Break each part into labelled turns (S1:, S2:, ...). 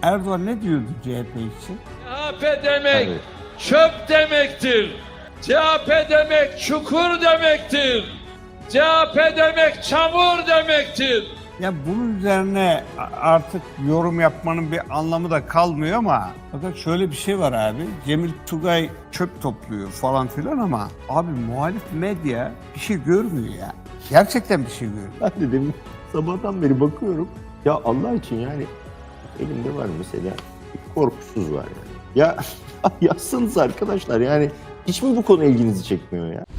S1: Erdoğan ne diyordu CHP için?
S2: CHP demek çöp demektir. CHP demek çukur demektir. CHP demek çamur demektir.
S1: Ya bunun üzerine artık yorum yapmanın bir anlamı da kalmıyor ama fakat şöyle bir şey var abi. Cemil Tugay çöp topluyor falan filan ama abi muhalif medya bir şey görmüyor ya. Gerçekten bir şey görmüyor.
S3: Ben de demin sabahtan beri bakıyorum. Ya Allah için yani elimde var mesela bir korkusuz var yani. Ya yazsanız arkadaşlar yani hiç mi bu konu ilginizi çekmiyor ya?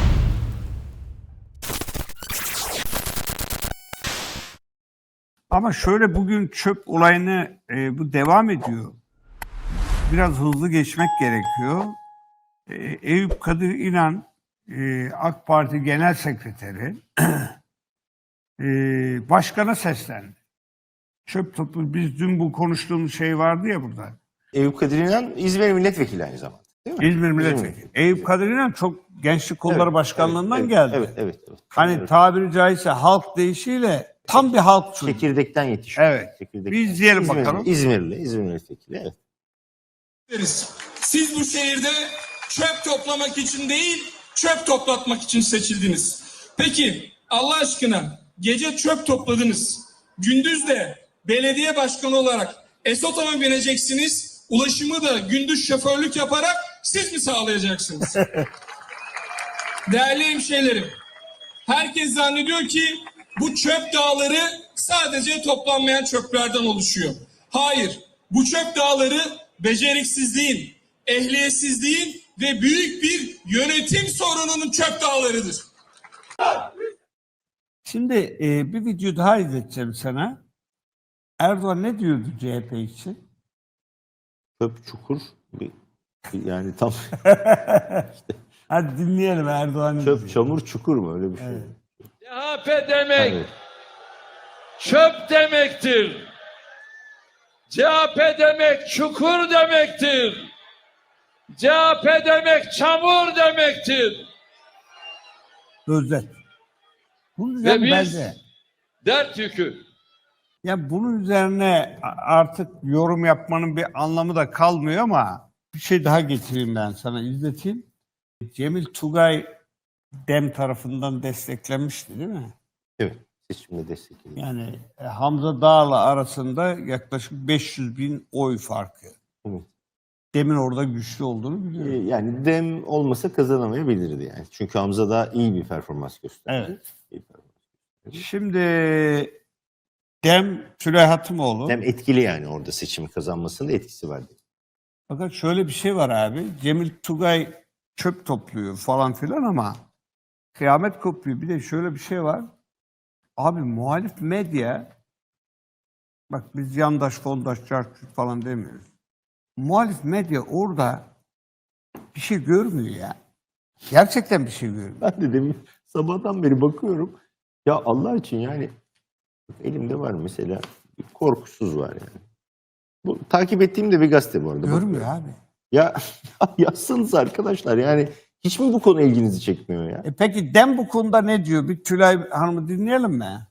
S1: Ama şöyle bugün çöp olayını bu devam ediyor. Biraz hızlı geçmek gerekiyor. Eyüp Kadir İnan AK Parti Genel Sekreteri başkana seslendi. Çöp topu biz dün bu konuştuğumuz şey vardı ya burada.
S3: Eyüp Kadir İnan İzmir Milletvekili aynı zamanda. Değil mi?
S1: İzmir Milletvekili. Eyüp Kadir İnan çok Gençlik Kolları Başkanlığından geldi.
S3: Evet.
S1: Hani tabiri caizse halk deyişiyle tam bir halkçı.
S3: Çekirdekten yetişiyor.
S1: Evet.
S3: Çekirdekten.
S1: Bir izleyelim bakalım.
S3: İzmir Milletvekili. Evet.
S4: Siz bu şehirde çöp toplamak için değil, çöp toplatmak için seçildiniz. Peki Allah aşkına gece çöp topladınız. Gündüz de belediye başkanı olarak Esot'a mı bineceksiniz? Ulaşımı da gündüz şoförlük yaparak siz mi sağlayacaksınız? Değerli hemşehrilerim, herkes zannediyor ki bu çöp dağları sadece toplanmayan çöplerden oluşuyor. Hayır, bu çöp dağları beceriksizliğin, ehliyetsizliğin ve büyük bir yönetim sorununun çöp dağlarıdır.
S1: Şimdi bir video daha izleteceğim sana. Erdoğan ne diyordu CHP için?
S3: Çöp çukur yani tam
S1: Hadi dinleyelim Erdoğan'ı.
S3: çöp çamur çukur mu öyle bir şey?
S1: Evet.
S2: CHP demek çöp demektir. CHP demek çukur demektir. CHP demek çamur demektir.
S1: Özet. Bunun
S2: Ve
S1: üzerine
S2: biz
S1: bence
S2: dert yükü.
S1: ya bunun üzerine artık yorum yapmanın bir anlamı da kalmıyor ama bir şey daha getireyim ben sana izleteyim. Cemil Tugay DEM tarafından desteklenmişti değil mi?
S3: Evet. Seçimde destekledim.
S1: Yani Hamza Dağ'la arasında yaklaşık 500 bin oy farkı.
S3: Evet.
S1: DEM'in orada güçlü olduğunu biliyorum.
S3: Yani DEM olmasa kazanamayabilirdi yani. Çünkü Hamza da iyi bir performans gösterdi.
S1: Evet.
S3: İyi performans gösterdi.
S1: Şimdi DEM Süleyha Hatımoğlu.
S3: DEM etkili yani orada seçimi kazanmasında etkisi vardı.
S1: Fakat şöyle bir şey var abi. Cemil Tugay çöp topluyor falan filan ama kıyamet kopuyor. Bir de şöyle bir şey var. Abi muhalif medya, bak biz yandaş, fondaş, çarçur falan demiyoruz. Muhalif medya orada bir şey görmüyor ya. Gerçekten bir şey görmüyor.
S3: Ben de demin sabahtan beri bakıyorum. Ya Allah için yani elimde var mesela bir korkusuz var yani. Bu takip ettiğim de bir gazete bu arada.
S1: Görmüyor
S3: Bakıyorum.
S1: abi.
S3: Ya yazsanız arkadaşlar yani hiç mi bu konu ilginizi çekmiyor ya?
S1: Peki DEM bu konuda ne diyor? Bir Tülay Hanım'ı dinleyelim mi?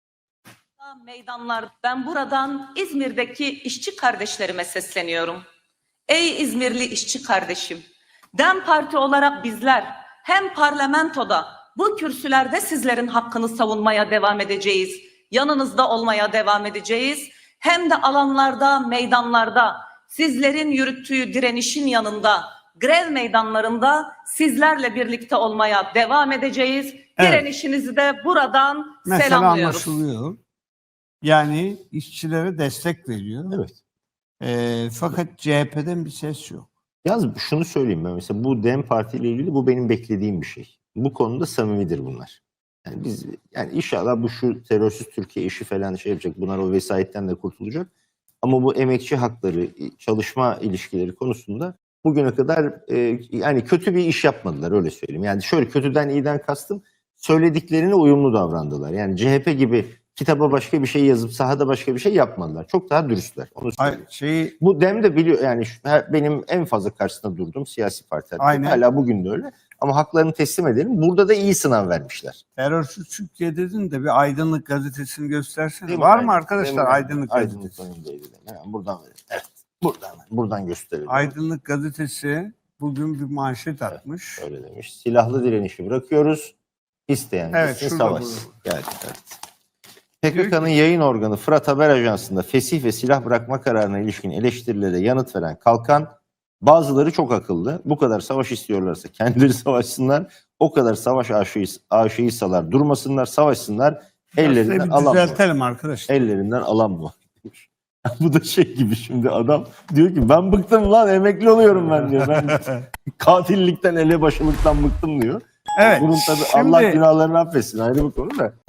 S5: Meydanlar, ben buradan İzmir'deki işçi kardeşlerime sesleniyorum. Ey İzmirli işçi kardeşim, DEM Parti olarak bizler hem parlamentoda bu kürsülerde sizlerin hakkını savunmaya devam edeceğiz, yanınızda olmaya devam edeceğiz, hem de alanlarda, meydanlarda sizlerin yürüttüğü direnişin yanında, grev meydanlarında sizlerle birlikte olmaya devam edeceğiz.
S1: Evet.
S5: Direnişinizi de buradan
S1: Mesela
S5: selamlıyoruz.
S1: anlaşılıyor. Yani işçilere destek veriyor.
S3: Evet.
S1: Fakat CHP'den bir ses yok.
S3: Yalnız şunu söyleyeyim ben mesela bu DEM Parti ile ilgili bu benim beklediğim bir şey. Bu konuda samimidir bunlar. Yani biz yani inşallah bu şu terörsüz Türkiye işi falan şey yapacak. Bunlar o vesayetten de kurtulacak. Ama bu emekçi hakları, çalışma ilişkileri konusunda bugüne kadar yani kötü bir iş yapmadılar öyle söyleyeyim. Yani şöyle kötüden iyiden kastım söylediklerine uyumlu davrandılar. Yani CHP gibi kitaba başka bir şey yazıp sahada başka bir şey yapmadılar. Çok daha dürüstler. Onu söyleyeyim. Bu DEM de biliyor yani benim en fazla karşısında durduğum siyasi parti.
S1: Aynen.
S3: Hala bugün de öyle. ama haklarını teslim edelim. Burada da iyi sınav vermişler.
S1: Terörsüz Türkiye dedin de bir Aydınlık gazetesini göstersene.
S3: Değil mi?
S1: Var mı
S3: Aynen.
S1: arkadaşlar
S3: Değil mi?
S1: Aydınlık
S3: Aydınlık
S1: gazetesi?
S3: önündeydi. Hemen buradan verelim. Evet. Buradan gösterelim.
S1: Aydınlık gazetesi bugün bir manşet atmış.
S3: Öyle demiş. Silahlı direnişi bırakıyoruz. İsteyen
S1: Evet,
S3: gitsin
S1: şurada
S3: savaşsın. Evet. PKK'nın yayın organı Fırat Haber Ajansı'nda fesih ve silah bırakma kararına ilişkin eleştirilere yanıt veren Kalkan, bazıları çok akıllı. Bu kadar savaş istiyorlarsa kendileri savaşsınlar. O kadar savaş aşıysalar durmasınlar, savaşsınlar. Ellerinden
S1: Aslında bir
S3: alan bu.
S1: düzeltelim arkadaşlar.
S3: Ellerinden alan bu. Bu da şey gibi, şimdi adam diyor ki ben bıktım lan, emekli oluyorum ben diyor. Ben katillikten, elebaşılıktan bıktım diyor.
S1: Evet.
S3: Bunun tabii
S1: şimdi-
S3: Allah günahlarını affetsin, ayrı bir konu da.